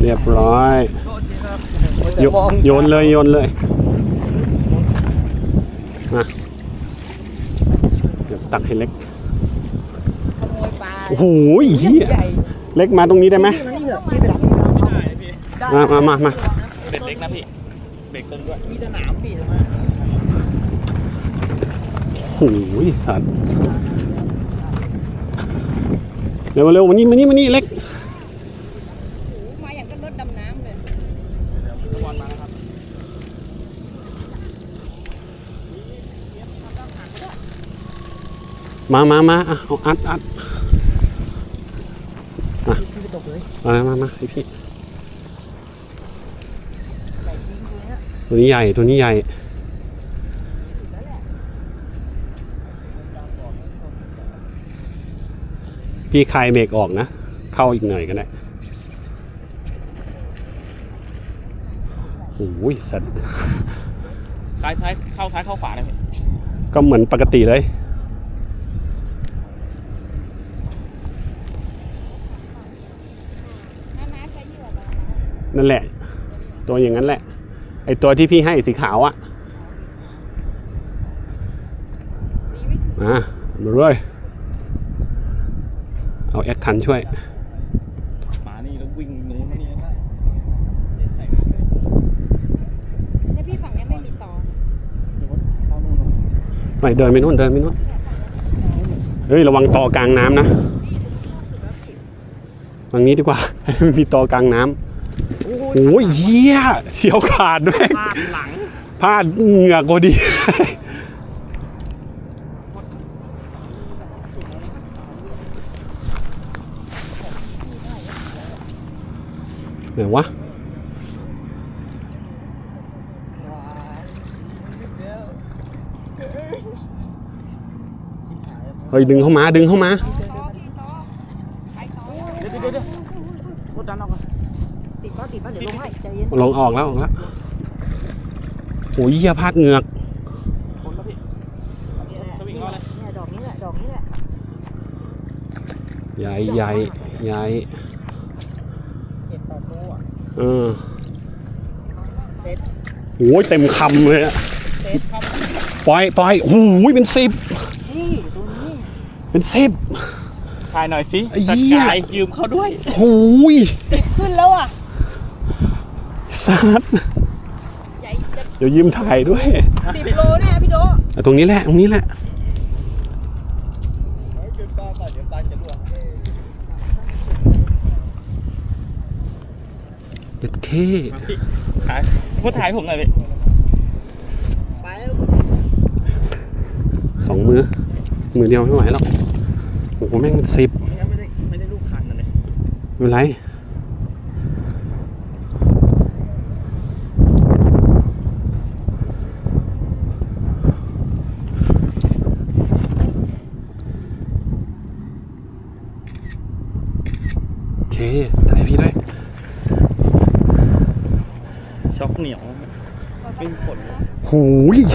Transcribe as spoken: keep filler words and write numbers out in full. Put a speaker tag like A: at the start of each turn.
A: เรียบร้อยโยนเลยโยนเลยมาเดี๋ยวตักให้เล็กโอ้โหเหี้ยเล็กมาตรงนี้ได้ไหมมามามามา
B: เบ็ดเล็กนะพี่เบ็ดตึงด้วยมีสนามพี่ทำไม
A: โอ้ยสัตว์เร็วเร็วมานี่มานี่มานี่เล็ก
C: มาอย่างก็รถดำน้ำเลย
B: บอลมาแล้วครับ
A: มามามาเอาอัดอัดมามามาให้พี่ตัวนี้ใหญ่ตัวนี้ใหญ่พี่คลายเบรกออกนะเข้าอีกหน่อยก็ได้โอ้ยสัตว์
B: ซ้ายซ้ายเข้าซ้ายเข้าขวาเลยพี่
A: ก็เหมือนปกติเลยนั่นแหละตัวอย่างนั้นแหละไอตัวที่พี่ให้สีขาวอ่ะมามาเลยเอาแอคคันช่วย
B: มานี่แล้ววิ่งนู้นนี่นะ
C: แล้วพี่ฝั่งนี้ไม่มีต่อ
A: ไม่เดินไปนู่นเดินไปนู่นเฮ้ยระวังต่อกลางน้ำนะทางนี้ดีกว่าไม่มีต่อกลางน้ำโอ้ยเหี้ยเสียวขาดด้วย
B: พลาดหลัง
A: พลาดเหงือกพอดีไหนวะเฮ้ยดึงเข้ามาดึงเข้ามา
B: เดี๋ยวเดี๋ยวเดี๋ยวรถดันออกก่อน
C: ติดก็ติดก็เดี๋ยวลงให้ใจเย็น
A: ลงออกแล้วออกแล้วโอ้ยเหี้ยพลาดเหงือก
B: คนแล้วพี่สวิงรอเลย
C: เนี่ยดอกนี้แหละดอกนี้แหละ
A: ใหญ่ใหญ่ใหญ่
C: เก็บต่อตัว
A: เออโอ้ยเต็มคำเลยอะปล่อยปล่อยโอ้ยเป็นสิบ
C: นี่ตัวนี้
A: เป็นสิบ
B: ถ่ายหน่อยสิสกายยืมเขาด้วย
A: โอ้ย
C: ติดขึ้นแล้วอ่ะ
A: ซัดเดี๋ยวยืมถ่ายด้วย
C: สิบโลแน่พี่โด
A: ตรงนี้แหละตรงนี้แหละ
B: ยืมปลาก่อนเดี๋ยวปลาจะล่วง
A: เด็ดเค
B: ถ่ายพูดถ่ายผมหน่อยพี่
C: ไปแล้ว
A: สองมือมือเดียวไม่ไหวแล้วโอ้โหแม่งเป็นสิบ
B: ไม่ได้ไม่ได้ลูกคันเลย
A: ไม่เป็นไรโอเคถ่ายพี่ด้วย
B: ช็อกเหนียวเป็นผล
A: หูย